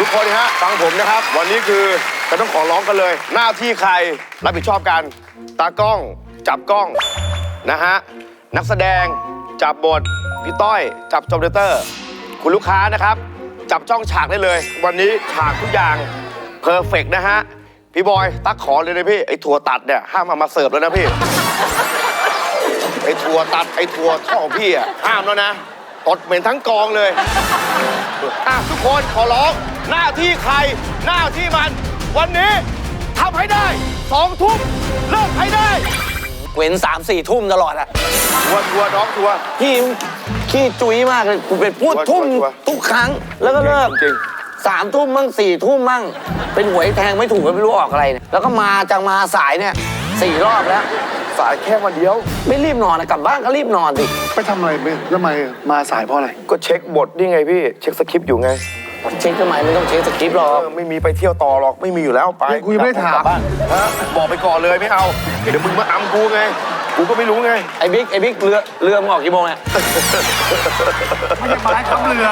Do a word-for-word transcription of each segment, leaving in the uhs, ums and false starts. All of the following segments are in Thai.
ทุกคนฮะฟังผมนะครับวันนี้คือจะต้องขอร้องกันเลยหน้าที่ใครรับผิดชอบกันตากล้องจับกล้องนะฮะนักแสดงจับบทพี่ต้อยจับจอมเดเตอร์คุณลูกค้านะครับจับจ้องฉากได้เลยวันนี้ฉากทุกอย่างเพอร์เฟกต์นะฮะพี่บอยตักขอเลยนะพี่ไอ้ถั่วตัดเนี่ยห้ามเอามาเสิร์ฟแล้วนะพี่ไอ้ถั่วตัดไอ้ถั่วท่อของพี่อ่ะห้ามแล้วนะตดเหม็นทั้งกองเลยอ่ะทุกคนขอร้องหน้าที่ใครหน้าที่มันวันนี้ทำให้ได้สองทุ่มเลิกให้ได้เว้นสามสี่ทุ่มตลอดอะทัวทัวน้องทัวพี่ขี้จุ้ยมากเลยกูเป็นพูดทุ่มทุกครั้งแล้วก็เลิกจริงสามทุ่มมั่งสี่ทุ่มมั่งเป็นหวยแทงไม่ถูกไม่รู้ออกอะไรเนี่ยแล้วก็มาจังมาสายเนี่ยสี่รอบแล้วสายแค่วันเดียวไม่รีบนอนนะกลับบ้านก็รีบนอนดิไปทำอะไรไปทำไมมาสายเพราะอะไรก็เช็คบทนี่ไงพี่เช็คสคริปต์อยู่ไงเช็คทำไมไม่ต้องเช็คสคริปต์หรอกไม่มีไปเที่ยวต่อหรอกไม่มีอยู่แล้วไปกูยังไม่ได้ถามฮะบอกไปก่อนเลยไม่เอาเดี๋ยวมึงมาอำกูไงกูก็ไม่รู้ไงไอ้บิ๊กไอ้บิ๊กเรือเรือมึงออกกี่โมงเนี่ยไม่ใช่ไม้ขับเรือ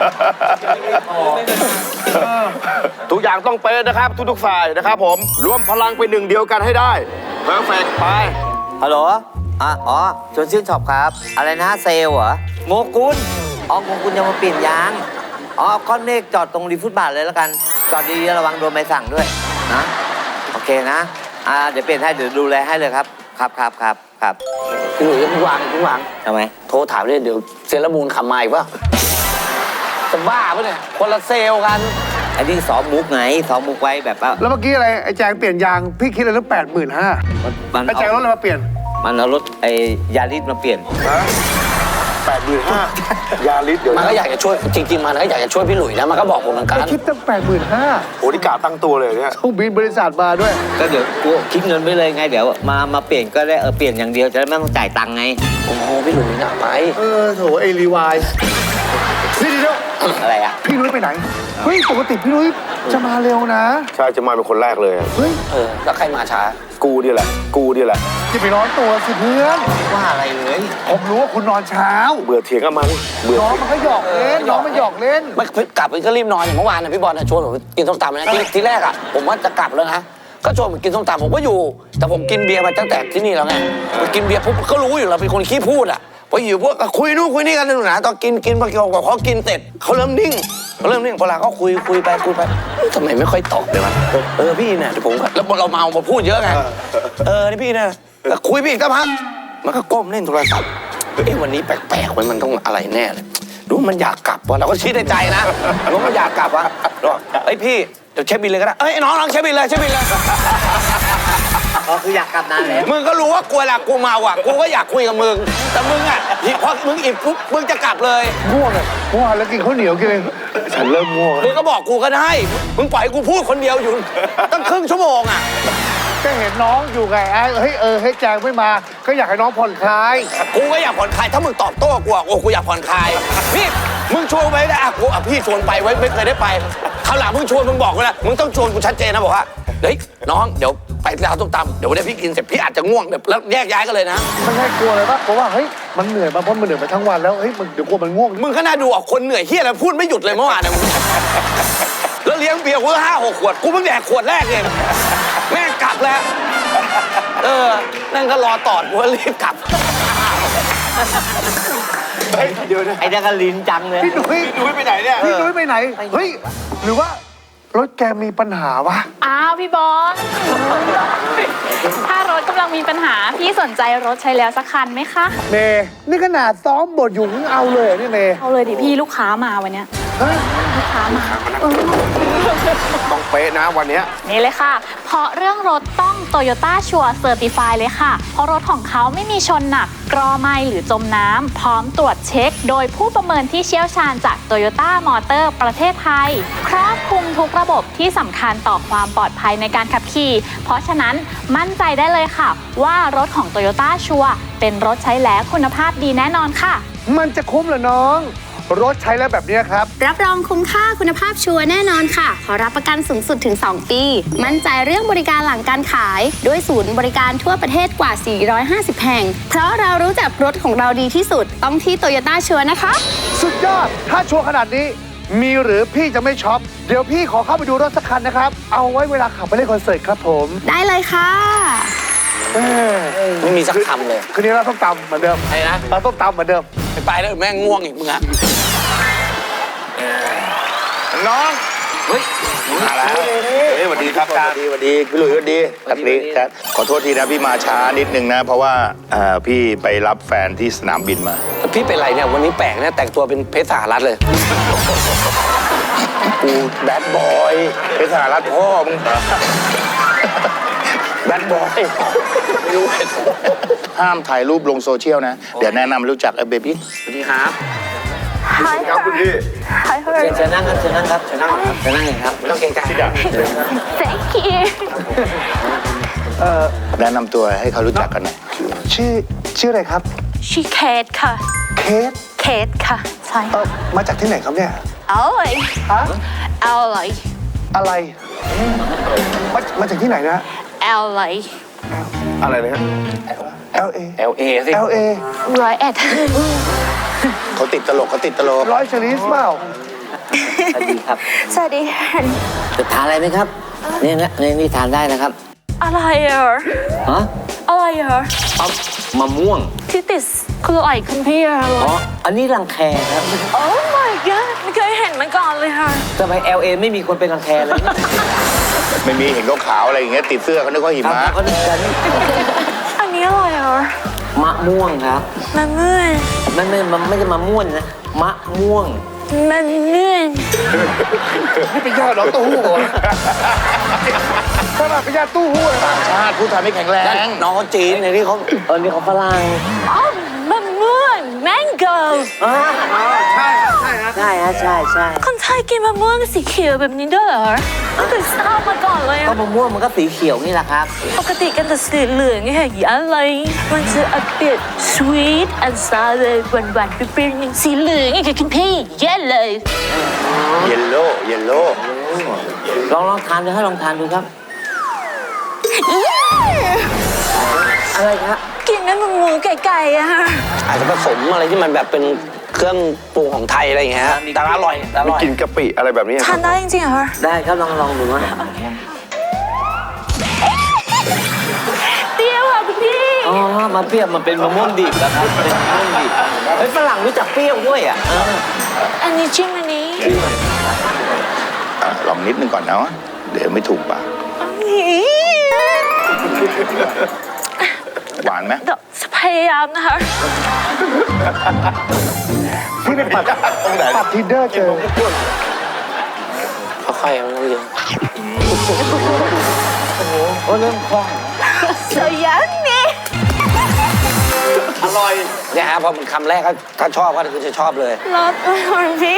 ทุกอย่างต้องเป๊ะนะครับทุกๆฝ่ายนะครับผมรวมพลังเป็นหนึ่งเดียวกันให้ได้เพอร์เฟกต์ไปฮัลโหลอ่ะอ๋อชวนชื่นช็อปครับอะไรนะเซลเหรอโงกุลอ๋อโงกุลจะมาเปลี่ยนยางอ๋อก้อนเมฆจอดตรงริมฟุตบาทเลยแล้วกันจอดดีๆระวังโดนใบสั่งด้วยนะโอเคนะอ่าเดี๋ยวเปลี่ยนให้เดี๋ยวดูแลให้เลยครับครับครับครับครับพี่หนุ่ยพี่วางพี่วางทำไมโทรถามเลยเดี๋ยวเซเลมูนขับมาอีกป่ะจะบ้าปะเนี่ยคนละเซลกันอันนี้ซ้อมมุกไงซ้อมมุกไว้แบบว่าแล้วเมื่อกี้อะไรไอ้แจงเปลี่ยนยางพี่คิดอะไรตั้งแปดหมื่นห้าไอ้แจงรถอะไรมาเปลี่ยนมันเอารถไอ้ยาริสมาเปลี่ยนแปดหมื่นห้ายาลิสเดี๋ยวมันก็อยากจะช่วยจริงๆมันก็อยากจะช่วยพี่หลุยนะมันก็บอกผมเหมือนกันคิดตั้งแปดหมื่นห้าโอ้ที่กาตั้งตัวเลยเนี่ยต้องบินบริษัทมาด้วยก็เดี๋ยวกูคิดเงินไปเลยไงเดี๋ยวมามาเปลี่ยนก็ได้เออเปลี่ยนอย่างเดียวจะได้ไม่ต้องจ่ายตังค์ไงโอ้พี่หลุยหนักไปเออโถไอรีวายนี่เดียวอะไรอ่ะพี่นุ้ยไปไหนเฮ้ยปกติพี่นุ้ยจะมาเร็วนะใช่จะมาเป็นคนแรกเลยเฮ้ยเออแล้วใครมาช้ากูดีแหละกูดีแหละจะไปร้อนตัวสิเพื่อนว่าอะไรเลยผมรู้ว่าคุณนอนเช้าเบื่อเถียงกับมันเบื่อน้องมันก็หยอกเล่นน้องมันหยอกเล่นไม่กลับไปก็รีบนอนอย่างเมื่อวานนะพี่บอลชวนผมกินส้มตำนะที่ที่แรกอ่ะผมว่าจะกลับแล้วนะก็ชวนผมกินส้มตำผมก็อยู่แต่ผมกินเบียร์มาตั้งแต่ที่นี่แล้วไงกินเบียร์ปุ๊บก็รู้อยู่เราเป็นคนขี้พูดอ่ะพออยู่พวกคุยนู่นคุยนี่กันหนูนะตอนกินกินพอเกี่ยวกับเขากินเสร็จเขาเริ่มนิ่งเขาเริ่มนิ่งพอลาเขาคุยคุยไปคุยไปทำไมไม่ค่อยตอบเลยวะเออพี่เนี่ยผมก็แล้วเราเมามาพูดเยอะไงเออนี่พี่เนี่ยคุยพี่อีกสักพักมันก็ก้มเล่นโทรศัพท์เอ้วันนี้แปลกๆมันมันต้องอะไรแน่เลยรู้มันอยากกลับวะเราก็คิดในใจนะรู้มันอยากกลับวะไอ้พี่เดี๋ยวเช็คบินเลยก็ได้เอ้ยน้องน้องเช็คบินเลยเช็คบินเลยอ๋อคืออยากกลับนานแล้วมึงก็รู้ว่ากูเวลากูเมาอ่ะกูก็อยากคุยกับมึงแต่มึงอ่ะพอมึงอิ่มปุ๊บมึงจะกลับเลยง่วงเลยง่วงแล้วกินข้าวเหนียวกินเลยฉันเริ่มง่วงมึงก็บอกกูก็ได้มึงปล่อยกูพูดคนเดียวอยู่ตั้งครึ่งชั่วโมงอ่ะก็เห็นน้องอยู่ไงไอ้เฮ้ยเออให้แจงไม่มาก็อยากให้น้องผ่อนคลายกูก็อยากผ่อนคลายถ้ามึงตอบโต้กูอ่ะโอ้กูอยากผ่อนคลายนี่มึงชวนไปได้อ่ะกูอ่ะพี่ชวนไปไว้ไม่เคยได้ไปคราวหลังมึงชวนมึงบอกกูนะมึงต้องชวนกูชัดเจนนะบอกว่าเฮ้ยน้องเดี๋ยวไปร้านส้มตำเดี๋ยววันนี้พี่กินเสร็จพี่อาจจะง่วงเดี๋ยวแล้วแยกย้ายกันเลยนะมันให้กลัวเลยปะเพราะว่าเฮ้ยมันเหนื่อยมาเพราะมันเหนื่อยมาทั้งวันแล้วเฮ้ยมันเดี๋ยวกลัวมันง่วงมึงก็น่าดูอ่ะคนเหนื่อยเฮี้ยแล้วพูดไม่หยุดเลยเมื่อวานนะแล้วเลี้ยงเบียร์กูห้าหกขวดกูเพิ่งแดกขวดแรกเองแม่กลับแล้วเออนั่นก็รอตอดกูรีบกลับเฮ้ยเดี๋ยวนะไอ้นั่นก็ลิ้นจังเลยพี่นุ้ยพี่นุ้ยไปไหนเนี่ยพี่นุ้ยไปไหนเฮ้ยหรือว่ารถแกมีปัญหาวะอ้าวพี่บอลถ้ารถกำลังมีปัญหาพี่สนใจรถใช้แล้วสักคันไหมคะเมย์นี่ขนาดซ้อมบทอยู่มึงเอาเลยนี่เมย์เอาเลยดิพี่ลูกค้ามาวันเนี้ยลูกค้ามาต้องเป๊ะนะวันนี้นี่เลยค่ะเพราะเรื่องรถต้อง Toyota Sure Certified เลยค่ะเพราะรถของเขาไม่มีชนหนักกรอไหม้หรือจมน้ำพร้อมตรวจเช็คโดยผู้ประเมินที่เชี่ยวชาญจาก Toyota Motor ประเทศไทยครอบคลุมทุกระบบที่สำคัญต่อความปลอดภัยในการขับขี่เพราะฉะนั้นมั่นใจได้เลยค่ะว่ารถของ Toyota Sure เป็นรถใช้แล้วคุณภาพดีแน่นอนค่ะมันจะคุ้มเหรอน้องรถใช้แล้วแบบนี้ครับรับรองคุ้มค่าคุณภาพชัวร์แน่นอนค่ะขอรับประกันสูงสุดถึงสองปีมั่นใจเรื่องบริการหลังการขายด้วยศูนย์บริการทั่วประเทศกว่าสี่ร้อยห้าสิบแห่งเพราะเรารู้จักรถของเราดีที่สุดต้องที่ Toyota ชัวร์นะคะสุดยอดถ้าชัวร์ขนาดนี้มีหรือพี่จะไม่ช็อป เดี๋ยวพี่ขอเข้าไปดูรถสักคันนะครับ เอาไว้เวลาขับไปเล่นคอนเสิร์ตครับผมได้เลยค่ะเอ้ยไม่มีสักคำเลยคืนนี้เราต้องตำเหมือนเดิมไอ้นะเราต้องตำเหมือนเดิมไปไปแล้วแม่งง่วงอีกมึงอะน้องเฮ้ยมาแล้วเฮ้ยสวัสดีครับสวัสดีสวัสดีพี่หลุยสวัสดีครับนี่ครับขอโทษทีนะพี่มาช้านิดนึงนะ เพราะว่าเอ่อพี่ไปรับแฟนที่สนามบินมาพี่เป็นไรเนี่ยวันนี้แปลกเนี่ยแต่งตัวเป็นเพชรสหรัฐเลยกูแบดบอยเป็นสหรัฐพ่อมึงแบดบอยไม่รู้ห้ามถ่ายรูปลงโซเชียลนะ เดี๋ยวแนะนำรู้จักไอ้เบบี้สวัสดีครับ Hi ครับคุณพี่ Hi เชิญเชิญนั่งครับเชิญนั่งครับเชิญนั่งครับเชิญนั่งเลยครับไม่ต้องเกรงใจ Thank you แนะนำตัวให้เขารู้จักกันหน่อยชื่อชื่ออะไรครับชื่อเคทค่ะเคสเคทค่ะ ใช่เออมาจากที่ไหนครับเนี่ยเอาเลยฮะเอาเลยอะไรมามาจากที่ไหนนะเอาเลยอะไรนะฮะ L A L A สิ L A ร้อยเอ็ดเขาติดตลกเขาติดตลกร้อยชลิสเปล่าสวัสดีครับสวัสดีจะทานอะไรไหมครับเนี่ยนะเนี่ยนี่ทานได้นะครับอะไรอ่ะฮะอะไรอ่ะเอามะม่วงที่ติดคืออะไรคุณพี่อะอ๋อ อันนี้รังแคครับโอ้ my god ไม่เคยเห็นมาก่อนเลยค่ะทำไม แอล เอ ไม่มีคนเป็นรังแคเลยเนี่ยไม่มีเห็นขาวๆอะไรอย่างเงี้ยติดเสื้อเขานึกว่าหิครับมะก็นึกกันอันนี้อะไรอ่ะมะม่วงครับมันเมื่อยมันไม่มันไม่ใช่มะม่วงนะ มะม่วงมันเมื่อยนี่เป็นญาติน้องตู้หู้เหรอขนาดเป็นญาติตู้หู้เลยนะชาติผู้ไทยไม่แข็งแรงน้องเขาจีนในที่เขาเออ นี่เขาฝรั่งอ๋อมันเมื่อยแมงโก้อ่าใช่ใช่ฮะใช่ฮะใช่ใช่คนไทยกินมะม่วงสีเขียวแบบนี้ด้วยเหรอไม่เคยทราบมาก่อนเลยก็อะมะม่วงมันก็สีเขียวนี่แหละครับปกติกันแต่สีเหลืองไงอะไรมันจะอเปียด sweet and sour เลยหวานๆเปรี้ยวๆอย่างสีเหลืองไงค่ะคุณพี่เย้เลยเยลโล่เยลโล่ลองลองทานดูให้ลองทานดูครับ อะไรครับกินนั้นมันหมูไก่ๆอะค่ะอาจจะผสมอะไรที่มันแบบเป็นเครื่องปรุงของไทยอะไรอย่างเงี้ยฮะแต่อร่อยแต่อไม่ร่อยกินกะปิอะไรแบบนี้ทานได้จริงๆเหรอคะได้ครับลองลองดูนะเปรี้ยวอ่ะคุณพี่อ๋อ มาเปรี้ยวมันเป็นมะม่วงดิบนะครับเป็นมะม่วงดิบเฮ้ยฝรั่งรู้จักเปรี้ยวด้วยอ่ะเอออันนี้จิ้มอันนี้อ่ะลองนิดนึงก่อนนะเดี๋ยวไม่ถูกปาก หวานไหมเดี๋ยวจะพยายามนะคะพี่ไปปัดปัดทินเดอร์เจอค่อยๆมันต้องเยอะโอ้เริ่มคล่องสยังนี่อร่อยเนี่ยฮะพอมันคำแรกก็ถ้าชอบก็คือจะชอบเลยรสคุณพี่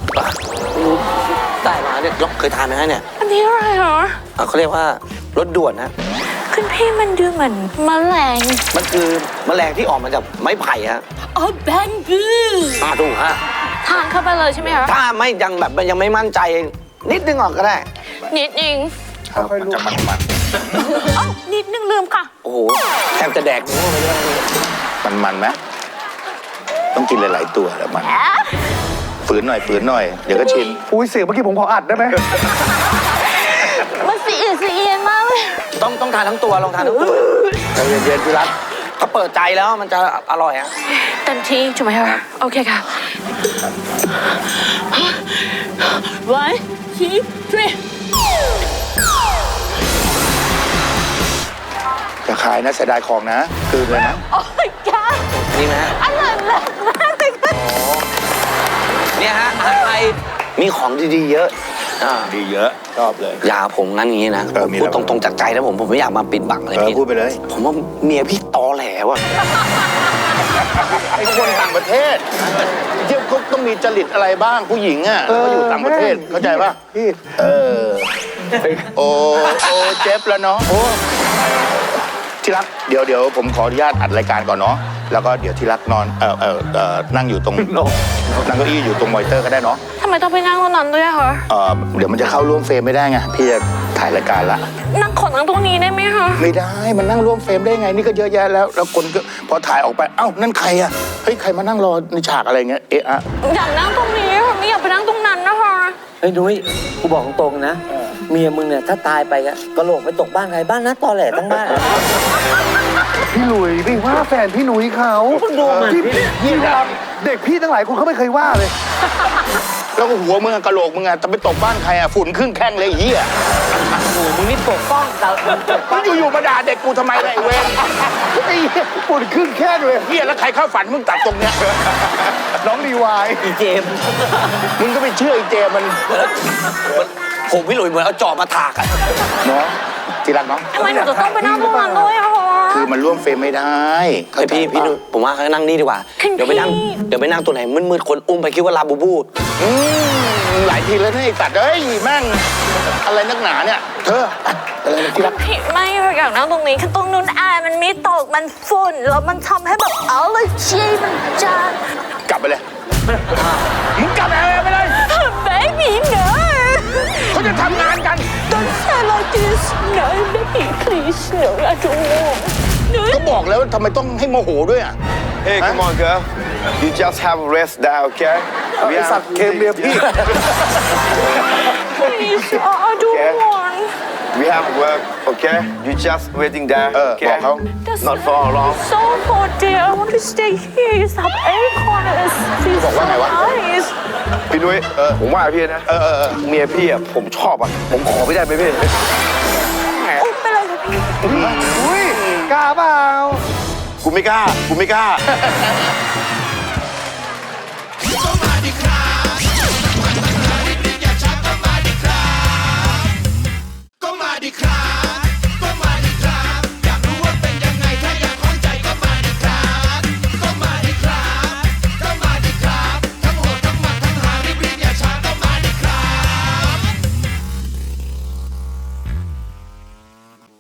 ได้มาเนี่ยลองเคยทานไหมฮะเนี่ยอันนี้อะไรเหรออ่ะเขาเรียกว่ารสด่วนนะคุณพี่มันดูเหมือนแมลงมันคือแมลงที่ออกมาจากไม้ไผ่ฮะอ๋อแบงบูอ่าถูกฮะทานเข้าไปเลยใช่ไหมคะถ้าไม่ยังแบบยังไม่มั่นใจนิดนึงออกก็ได้นิดนึงครับมันจะมันมันอ๋อนิดนึงลืมค่ะโอ้โหแทบจะแดกนิ้วไปด้วยมันมันไหมต้องกินหลายๆตัวแล้วมันฝืนหน่อยฝืนหน่อย เดี๋ยวก็ชินอุ้ยเสียงเมื่อกี้ผมขออัดได้ไหมมันสีอืดสีเอียนมากเลยต้องต้องทานทั้งตัวลองทานทั้งตัวใจเย็นๆพี่รักเขาเปิดใจแล้วมันจะอร่อยฮะเต็มที่ถูกไหมคะโอเคค่ะ one two three จะขายนะเสียดายของนะคืนเลยนะโอ้ยกานี่ไหมฮะอร่อยมากมากเลยค่ะเนี่ยฮะอาหารไทยมีของดีๆเยอะอ่าดีเยอะชอบเลยอย่าผมงั้นอย่างนี้นะเออมีพูดอะไรตรงๆจากใจแล้วผมผมไม่อยากมาปิดบังอะไรเออพี่พูดไปเลยผมว่าเมียพี่ตอแหลว่ะไอ้คนต่างประเทศที่เขาต้องมีจริตอะไรบ้างผู้หญิงอ่ะเขาอยู่ต่างประเทศเข้าใจป่ะพี่เออโอ้โอ้เจ็บแล้วเนาะโอ้ที่รักเดี๋ยวเดี๋ยวผมขออนุญาตอัดรายการก่อนเนาะแล้วก็เดี๋ยวที่รักนอนเออเออเออนั่งอยู่ตรงนั่งเก้าอี้อยู่ตรงมอนิเตอร์ก็ได้เนาะทำไมต้องไปนั่งตรงนั้นด้วยอะคะเออเดี๋ยวมันจะเข้าร่วมเฟรมไม่ได้ไงพี่จะถ่ายรายการละนั่งขอนั่งตรงนี้ได้ไหมคะไม่ได้มันนั่งร่วมเฟรมได้ไงนี่ก็เยอะแยะแล้วแล้วคนก็พอถ่ายออกไปเอ้านั่นใครอ่ะฮ้ยใครมานั่งรอในฉากอะไรเงี้ยเอะอะอยากนั่งตรงนี้ค่ะไม่อยากไปนั่งตรงนั้นนะคะเฮ้ยนุ้ยกูบอกตรงๆนะ เมียมึงเนี่ยถ้าตายไปอะกระโหลกไปตกบ้านใครบ้านนะตอแหลทั้งบ้านพี่หลุยไปว่าแฟนพี่หนุ่ยเขาคุณดูมันที่พี่พี่เวลาเด็กพี่ทั้งหลายคนเขาไม่เคยว่าเลยแล้วก็หัวมึงอะกะโหลกมึงอะจะไปตกบ้านใครอะฝุ่นครึ่งแข้งเลยไอ้เหี้ยโอ้โหมึงนี่ปกป้องเรามึงปกป้มึองงอยู่ๆมาด่าเด็กกูทำไมล่ะไอ้เวรไอ้เหี้ยปวดขึ้นแค่เลยเหี้ยแล้วใครเข้าฝันมึงตัดตรงเนี้ยน้องรีวายอีเจมส์มึงก็ไปเชื่อไอ้เจมันผมพี่หลุยเหมือนเอาจอบมาถากอะเนาะที่รักเนาะทำไมหนูจะต้องไปนั่งตรงนั้นด้วยอะคะคือมันร่วมเฟรมไม่ได้เฮ้ยพี่พี่หนุ่ยผมว่าเขานั่งนี่ดีกว่าคุณเดี๋ยวไปนั่งพี่เดี๋ยวไปนั่งตัวไหนมืดๆคนอุ้มไปคิดว่าลาบูบูอืมหลายทีแล้วนะไอ้ตัดเอ้ยแม่งอะไรนักหนาเนี่ย เธออะไรนะที่รักพี่ไม่ค่ะอยากนั่งตรงนี้คือตรงนู้นอายมันไม่ตกมันฝุ่นแล้วมันทำให้แบบเอาเลยชีมันจางกลับไปเลย มึงกลับไปเลยไปเลย baby no เขาจะทำงานกัน don't say like this no baby please no I don't want no ก็บอกแล้วทำไมต้องให้โมโหด้วยอ่ะ Hey come on girl you just have a rest now okay ไอ้สัตว์เคมเมียพี่ please I don't Okay. want we have work okay you just waiting there เออ okay บอกเขา That's not for long so hot dear I want to stay here you have aircon it's feels บอกว่าไงวะ so nice พี่นุ้ยผมว่าพี่นะเออเออเออเมียพี่อะผมชอบอะผมขอไม่ได้ไหมพี่อุ้มไปเลยค่ะพี่อุ้ยกล้าเปล่ากูไม่กล้ากูไม่กล้า